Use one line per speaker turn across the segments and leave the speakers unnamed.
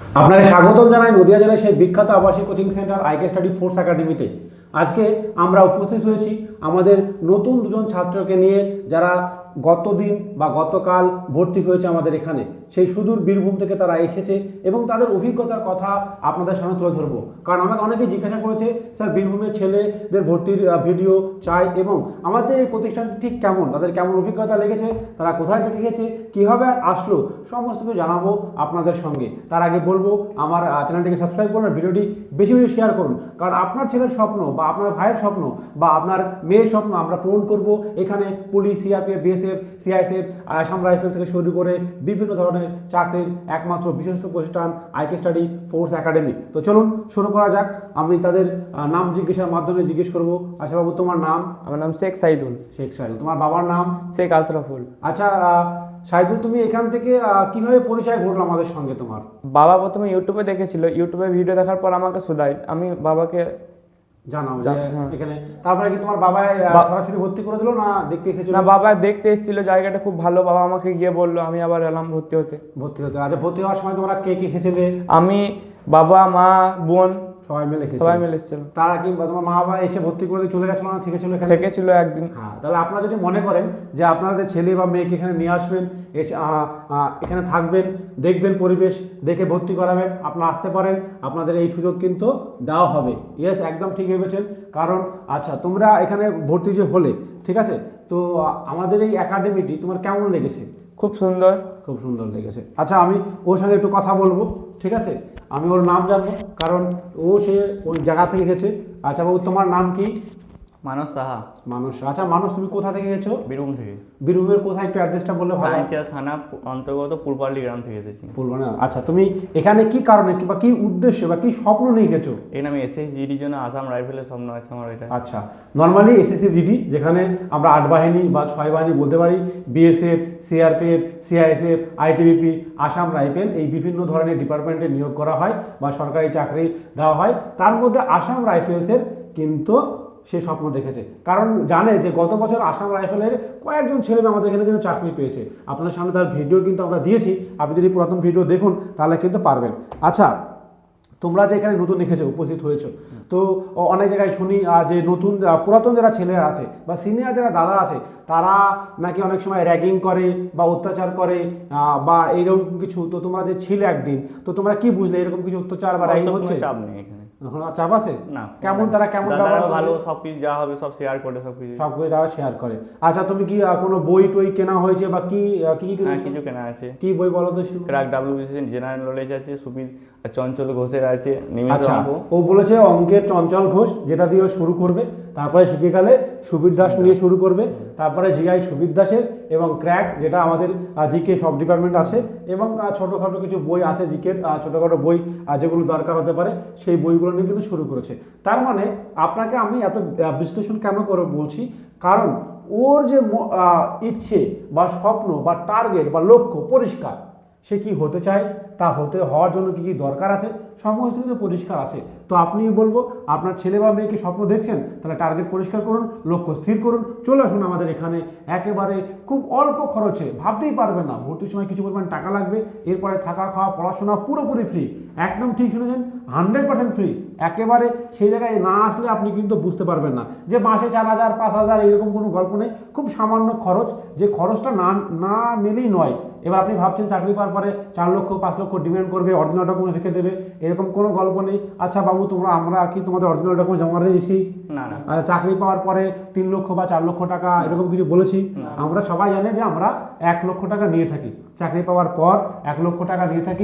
আপনাকে স্বাগতম জানাই নদিয়া জেলার সেই বিখ্যাত আবাসিক coaching centre IK study force একাডেমিতে। আজকে আমরা উপস্থিত হয়েছি আমাদের নতুন দুজন ছাত্রকে নিয়ে, যারা গতদিন বা গতকাল ভর্তি হয়েছে আমাদের এখানে। সেই সুদূর বীরভূম থেকে তারা এসেছে এবং তাদের অভিজ্ঞতার কথা আপনাদের সামনে তুলে ধরবো। কারণ আমাকে অনেকেই জিজ্ঞাসা করেছে, স্যার বীরভূমের ছেলেদের ভর্তির ভিডিও চাই এবং আমাদের এই প্রতিষ্ঠানটি ঠিক কেমন, তাদের কেমন অভিজ্ঞতা লেগেছে, তারা কোথায় থেকে গেছে, কীভাবে আসলো, সমস্ত কিছু জানাবো আপনাদের সঙ্গে। তার আগে বলবো আমার চ্যানেলটিকে সাবস্ক্রাইব করুন আর ভিডিওটি বেশি বেশি শেয়ার করুন। কারণ আপনার ছেলের স্বপ্ন বা আপনার ভাইয়ের স্বপ্ন বা আপনার মেয়ের স্বপ্ন আমরা পূরণ করব। এখানে police, CRPF, BSF, CISF, Assam rifle থেকে শুরু করে বিভিন্ন ধরনের চাকরির একমাত্র বিশ্বস্ত প্রতিষ্ঠান আইকে স্টাডি ফোর্স একাডেমি। তো চলুন শুরু করা যাক। আমি তাদের নাম জিজ্ঞাসার মাধ্যমে জিজ্ঞেস করবো। আচ্ছা বাবু, তোমার নাম?
আমার নাম শেখ সাইদুল।
শেখ সাইদুল। তোমার বাবার নাম?
শেখ আশরাফুল।
আচ্ছা সাইদুল, তুমি এখান থেকে কিভাবে পরিচয় ঘটলো আমাদের সঙ্গে তোমার?
বাবা প্রথমে ইউটিউবে দেখেছিল, ইউটিউবে ভিডিও দেখার পর আমাকে শুধাই, আমি বাবাকে
জানাও যে এখানে। তারপরে কি তোমার বাবা সরাসরি ভর্তি করে দিল না দেখতে এসেছিল?
না, বাবা দেখতে এসেছিল, জায়গাটা খুব ভালো। বাবা আমাকে গিয়ে বললো, আমি আবার এলাম ভর্তি হতে।
আচ্ছা, ভর্তি হওয়ার সময় তোমরা কে কে এসেছিলে?
আমি, বাবা, মা, বোন
সবাই মিলে
এসেছিল।
তারা কি তোমার মা বাবা এসে ভর্তি করে দিয়ে চলে গেছিল না থেকেছিল এখানে?
থেকেছিল একদিন।
হ্যাঁ, তাহলে আপনারা যদি মনে করেন যে আপনাদের ছেলে বা মেয়েকে এখানে নিয়ে আসবেন, এসে এখানে থাকবেন, দেখবেন, পরিবেশ দেখে ভর্তি করাবেন, আপনারা আসতে পারেন। আপনাদের এই সুযোগ কিন্তু দেওয়া হবে। ইয়েস, একদম ঠিক ভেবেছেন। কারণ আচ্ছা, তোমরা এখানে ভর্তি যে হলে, ঠিক আছে, তো আমাদের এই একাডেমিটি তোমার কেমন লেগেছে?
খুব সুন্দর।
খুব সুন্দর লেগেছে। আচ্ছা, আমি ওর সঙ্গে একটু কথা বলবো, ঠিক আছে? আমি ওর নাম জানবো, কারণ সে ওই জায়গা থেকে গেছে। আচ্ছা বাবু, তোমার নাম কি?
মানস সাহা।
মানুষ। আচ্ছা মানুষ, তুমি কোথা থেকে গেছো?
বীরভূম থেকে।
বীরভূমের কোথায়, একটু অ্যাড্রেসটা বললে ভালো।
সাঁইথিয়া থানা অন্তর্গত পূর্বপাল্লি গ্রাম থেকে এসেছি।
বলবো না। আচ্ছা, তুমি এখানে কি কারণে বা কি উদ্দেশ্যে বা কি স্বপ্ন নিয়ে গেছো?
এখানে আমি এসএসজিডির জন্য আসাম রাইফেলের স্বপ্ন আছে আমার এটা।
আচ্ছা, নর্মালি এসএসসি যেখানে আমরা 8 বাহিনী বা 6 বাহিনী বলতে পারি, BSF, CRPF, CISF, ITBP, Assam rifle, এই বিভিন্ন ধরনের ডিপার্টমেন্টে নিয়োগ করা হয় বা সরকারি চাকরি দেওয়া হয়। তার মধ্যে আসাম রাইফেলসের কিন্তু সে স্বপ্ন দেখেছে, কারণ জানে যে গত বছর আসাম রাইফেলের কয়েকজন ছেলে আমাদের এখানে কিন্তু চাকরি পেয়েছে। আপনার সামনে তার ভিডিও কিন্তু আমরা দিয়েছি, আপনি যদি পুরাতন ভিডিও দেখুন তাহলে কিন্তু পারবেন। আচ্ছা, তোমরা যে এখানে নতুন এসেছো, উপস্থিত হয়েছো, তো অনেক জায়গায় শুনি যে নতুন পুরাতন যারা ছেলেরা আছে বা সিনিয়র যারা দাদা আছে, তারা নাকি অনেক সময় র্যাগিং করে বা অত্যাচার করে বা এইরকম কিছু। তো তোমরা যে ছিলে একদিন, তো তোমরা কি বুঝলে এরকম কিছু অত্যাচার বা র্যাগিং হচ্ছে?
চাপ নেই এখানে।
এখন আর চাপ আছে
না।
কেমন, তারা কেমন ব্যবহার করে?
ভালো, সবকিছু যা হবে সব শেয়ার করে, সবকিছু
তারা শেয়ার করে। আচ্ছা, তুমি কি কোনো বই টই কেনা হয়েছে বা কি কি কি
হ্যাঁ, কিছু কেনা আছে।
কি বই বলো তো?
ক্র্যাক ডাব্লিউবিসি জেনারেল নলেজ আছে, সুবির চঞ্চল ঘোষের আছে,
আচ্ছা, ও বলেছে অঙ্কের চঞ্চল ঘোষ, যেটা দিয়ে শুরু করবে, তারপরে শিখে গেলে সুবীর দাস নিয়ে শুরু করবে, তারপরে জিআই সুবীর দাসের, এবং ক্র্যাক যেটা আমাদের জিকে সব ডিপার্টমেন্ট আছে, এবং ছোটোখাটো কিছু বই আছে জিকের, ছোটোখাটো বই যেগুলো দরকার হতে পারে, সেই বইগুলো নিয়ে কিন্তু শুরু করেছে। তার মানে আপনাকে আমি এত বিশ্লেষণ কেন করে বলছি, কারণ ওর যে ইচ্ছে বা স্বপ্ন বা টার্গেট বা লক্ষ্য পরিষ্কার, সে কি হতে চায়, তা হওয়ার জন্য কি কি দরকার আছে, সমস্ত কিছু পরিষ্কার আছে। তো আপনি বলবো, আপনার ছেলে বা মেয়েকে স্বপ্ন দেখছেন, তাহলে টার্গেট পরিষ্কার করুন, লক্ষ্য স্থির করুন, চলে আসুন আমাদের এখানে। একেবারে খুব অল্প খরচে, ভাবতেই পারবেন না, ভর্তির সময় কিছু পরিমাণ টাকা লাগবে, এরপরে থাকা খাওয়া পড়াশোনা পুরোপুরি ফ্রি। একদম ঠিক শুনেছেন, 100% ফ্রি। একেবারে সেই জায়গায় না আসলে আপনি কিন্তু বুঝতে পারবেন না যে মাসে 4,000 5,000 এরকম কোনো গল্প নেই। খুব সামান্য খরচ, যে খরচটা না নিলেই নয়। এবার আপনি ভাবছেন চাকরি পাওয়ার পরে 4 লক্ষ 5 লক্ষ ডিমান্ড করবে, অরিজিনাল ডকুমেন্ট রেখে দেবে, এরকম কোনো গল্প নেই। আচ্ছা বাবু, আমরা কি তোমাদের অরিজিনাল ডকুমেন্ট জমা রেখেছি?
না না।
চাকরি পাওয়ার পরে 3 লক্ষ বা 4 লক্ষ টাকা এরকম কিছু বলেছি? আমরা সবাই জানে যে আমরা 1 লক্ষ টাকা নিয়ে থাকি, চাকরি পাওয়ার পর 1 লক্ষ টাকা নিয়ে থাকি,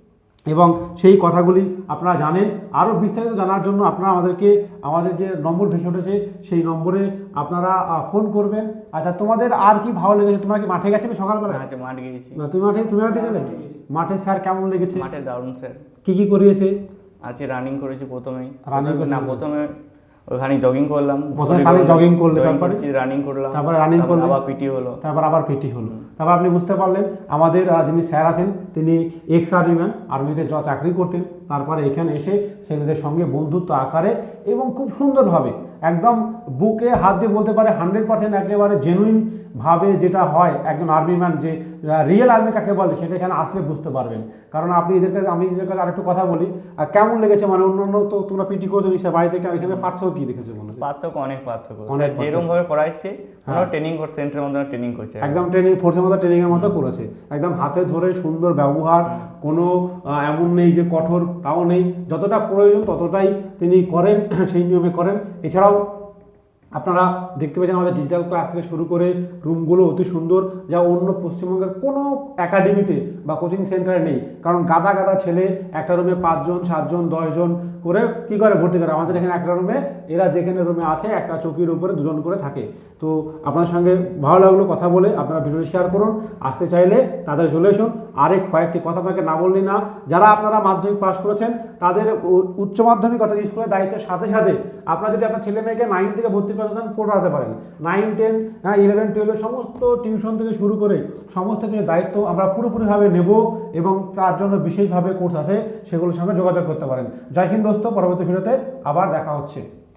এবং সেই কথাগুলি আপনারা জানেন। আরও বিস্তারিত জানার জন্য আপনারা আমাদের যে নম্বর ভেসে উঠেছে, সেই নম্বরে আপনারা ফোন করবেন। আচ্ছা, তোমাদের আর কি ভালো লেগেছে? তোমরা কি মাঠে গেছিলে সকালবেলা?
মাঠে গিয়েছি।
তুমি মাঠে গেলে? মাঠে স্যার কেমন লেগেছে?
মাঠে দারুণ স্যার।
কি করিয়েছে?
আজকে রানিং করেছি প্রথমেই।
প্রথমে
ওখানে জগিং করলাম।
জগিং করলে, তারপরে
রানিং করলাম,
তারপরে রানিং করলে,
আবার পিটি হলো,
আবার পিটি হলো। তারপর আপনি বুঝতে পারলেন আমাদের যিনি স্যার আছেন, তিনি এক্স আর্মিম্যান, আর্মিতে চাকরি করতেন। তারপরে এখানে এসে ছেলেদের সঙ্গে বন্ধুত্ব আকারে এবং খুব সুন্দরভাবে, একদম বুকে হাত দিয়ে বলতে পারে 100% একেবারে জেনুইন ভাবে, যেটা হয় একজন আর্মিম্যান যে রিয়েল আর্মি কাকে বলে সেটা এখানে আসলে বুঝতে পারবেন। কারণ আপনি আমি এদের কাছে আরেকটু কথা বলি, আর কেমন লেগেছে মানে অন্য তো তোমরা পিটি করেছো নিশ্চয় বাড়ি থেকে, এখানে পার্থক্য কি দেখেছো মনে হচ্ছে?
পার্থক্য, অনেক পার্থক্য।
অনেক
স্যার যেরকম ভাবে পড়াচ্ছে
হ্যাঁ।
ট্রেনিং করছে, সেন্টারের মধ্যে ট্রেনিং করছে
একদম ট্রেনিং ফোর্সের মতো ট্রেনিং এর মতো করেছে, একদম হাতে ধরে সুন্দর ব্যবহার, কোনো এমন নেই যে কঠোর, তাও নেই, যতটা প্রয়োজন ততটাই তিনি করেন, সেই নিয়মে করেন। এছাড়াও আপনারা দেখতে পাচ্ছেন আমাদের ডিজিটাল ক্লাস থেকে শুরু করে রুমগুলো অতি সুন্দর, যা অন্য পশ্চিমবঙ্গের কোনো একাডেমিতে বা কোচিং সেন্টারে নেই। কারণ গাদা গাদা ছেলে একটা রুমে 5 জন 7 জন 10 জন করে কি করে ভর্তি করে, আমাদের এখানে একটা রুমে এরা যেখানে রুমে আছে একটা চৌকির উপরে 2 জন করে থাকে। তো আপনার সঙ্গে ভালো লাগলো কথা বলে, আপনারা ভিডিও শেয়ার করুন, আসতে চাইলে তাদের চলে আসুন। আরেক কয়েকটি কথা আপনাকে না বললি না, যারা আপনারা মাধ্যমিক পাস করেছেন তাদের উচ্চ মাধ্যমিক অর্থাৎ স্কুলের দায়িত্বের সাথে সাথে আপনারা যদি আপনার ছেলে মেয়েকে 9 থেকে ভর্তি করাতে চান পড়াতে পারেন। 9, 10, 11, 12 সমস্ত টিউশন থেকে শুরু করে সমস্ত কিছু দায়িত্ব আমরা পুরোপুরিভাবে নেব, এবং তার জন্য বিশেষভাবে কোর্স আছে, সেগুলোর সঙ্গে যোগাযোগ করতে পারেন। জয় হিন্দ দোস্ত, পরবর্তী ভিডিওতে আবার দেখা হচ্ছে।